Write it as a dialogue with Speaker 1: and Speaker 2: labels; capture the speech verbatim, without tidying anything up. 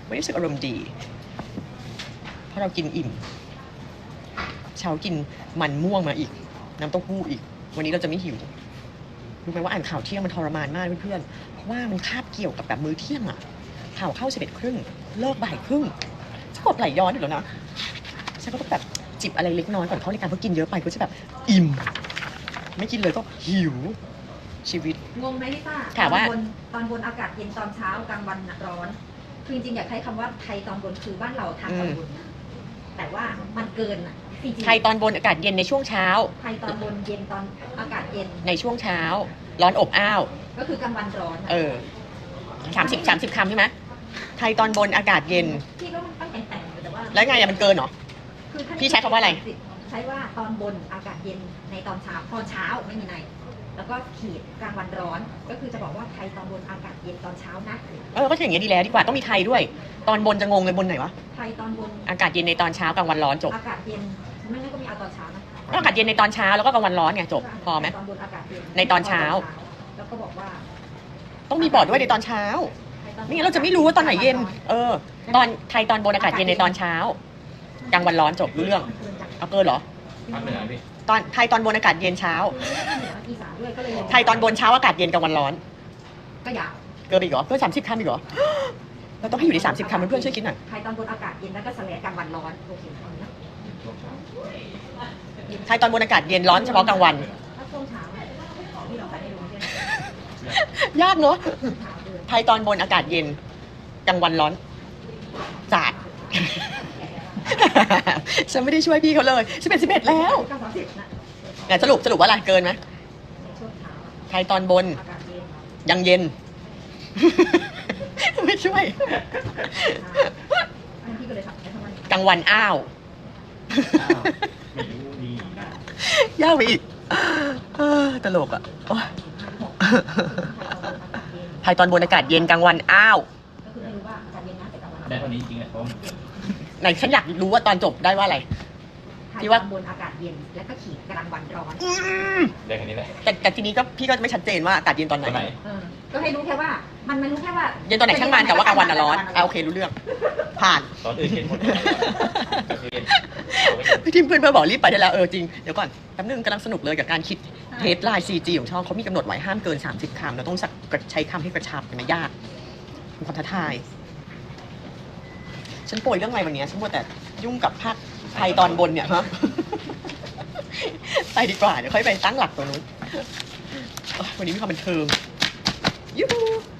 Speaker 1: ไม่รู้สึกอารมณ์ดีเพราะเรากินอิ่มเช้ากินมันม่วงมาอีกน้ำเต้าหู้อีกวันนี้เราจะไม่หิวรู้ไหมว่าอ่านข่าวเที่ยงมันทรมานมากเพื่อนๆเพราะว่ามันคาบเกี่ยวกับแบบมื้อเที่ยงอะข่าวเข้าสิบเอ็ดครึ่งเลิกบ่ายครึ่งจะกดไหลย้อนอยู่แล้วนะฉันก็ต้องแบบจิบอะไรเล็กน้อยก่อนเข้ารายการเพราะกินเยอะไปก็จะแบบอิ่มไม่กินเลยก็หิวชีวิต
Speaker 2: งงไหมพี่ป้า
Speaker 1: ถามว่า
Speaker 2: ตอนบนตอนบนอากาศเย็นตอนเช้ากลางวันร้อนคือจริงๆอยากใช้คำว่าไทยตอนบนคือบ้านเราทางตอนบนแต่ว่ามันเกินอ่ะ
Speaker 1: ไทยตอนบนอากาศเย็นในช่วงเช้า
Speaker 2: ไทยตอนบนเย็นตอนอากาศเย็น
Speaker 1: ในช่วงเช้าร้อนอบอ้าว
Speaker 2: ก็คือกลางวันร้อน
Speaker 1: เออสามสิบสามสิบคำใช่ไหมไทยตอนบนอากาศเย็น
Speaker 2: พี่ก็ต้องแต่งแต่งแต่ว่า
Speaker 1: แล้วไงอะมันเกินเหรอพี่ใช้คำว่าอะไร
Speaker 2: ใช้ว่าตอนบนอากาศเย็นในตอนเช้าตอนเช้าไม่มีในแล้วก็ขีดกลางวันร้อนก็คือจะบอกว่าไทยตอนบนอากาศเย็นตอนเช้านะ
Speaker 1: เออก็อย่างเงี้ยดีแล้วดีกว่าต้องมีไทยด้วยตอนบนจะงงเลยบนไหนวะ
Speaker 2: ไทยตอนบน
Speaker 1: อากาศเย็นในตอนเช้ากลางวันร้อนจบ
Speaker 2: อากาศเย็นไม่งั้นก็มีเอาตอนเช้านะ
Speaker 1: อากาศเย็นในตอนเช้าแล้วก็กลางวันร้อนไงจบพอไหม
Speaker 2: ตอนบนอากาศเย็น
Speaker 1: ในตอนเช้า
Speaker 2: แล้วก็บอกว่า
Speaker 1: ต้องมีบอกด้วยในตอนเช้าไม่งั้นเราจะไม่รู้ว่าตอนไหนเย็นเออตอนไทยตอนบนอากาศเย็นในตอนเช้ากลางวันร้อนจบรู้เรื่องเอาเกินเหรอตอนไทยตอนบนอากาศเย็นเช้าไทยตอนบนเช้าอากาศเย็นกลางวันร้อน
Speaker 2: ก็ยาว
Speaker 1: เกินอีกเหรอเกินสามสิบคำอีกเหรอเราต้องให้อยู่ในสามสิบคำเพื่อนๆช่วยคิดหน่อย
Speaker 2: ไทยตอนบนอากาศเย็นแล้วก็สแลกกลางวันร้อนโอเค
Speaker 1: ไทยตอนบนอากาศเย็นร้อนเฉพาะกลางวันยากเนอะไทยตอนบนอากาศเย็นกลางวันร้อนจัดฉันไม่ได้ช่วยพี่เขาเลยสิบเอ็ดสิบเอ็ดแล้วเนี่ยสรุปสรุปว่าอะไรเกินไหมไทยตอนบนยังเย็นไม่ช่วยกลางวันอ้าวยากไปอีกตลกอ่ะไทยตอนบนอากาศเย็นกลางวันอ้าว
Speaker 3: ได้เท่านี้จริงๆเพราะ
Speaker 1: ไหนฉันอยากรู้ว่าตอนจบได้ว่าอะไร
Speaker 2: ที่ว่าบนอากาศเย็นแล้วก็ขีดกลางวันร้อน
Speaker 3: ได้แค่นี้แหละ
Speaker 1: แต่แต่ทีนี้ก็พี่ก็ไม่ชัดเจนว่าอากาศเย็นตอนไหน
Speaker 2: ก็ให้รู้แค่ว่ามันไม่รู้แค่ว่า
Speaker 1: เย็นตอนไหนช่างมันแต่ว่ากลางวันร้อนอ่ะโอเครู้เรื่องผ่าน
Speaker 3: ตอนอื่นเห็นหมด
Speaker 1: พี่ทีมเพื่อนเพื่อนบอกรีบไปได้แล้วเออจริงเดี๋ยวก่อนแป๊บนึงกำลังสนุกเลยกับการคิดเทสไลน์ ซี จี ของช่องเขามีกำหนดไว้ห้ามเกินสามสิบคำเราต้องใช้คำให้กระชับมันยากเป็นความท้าทายฉันป่วยเรื่องอะไรวันนี้ฉันมัวแต่ยุ่งกับภาคไทยตอนบนเนี่ยฮะไปดีกว่าเดี๋ยวค่อยไปตั้งหลักตรงนู้นวันนี้มีความบันเทิงยูฮู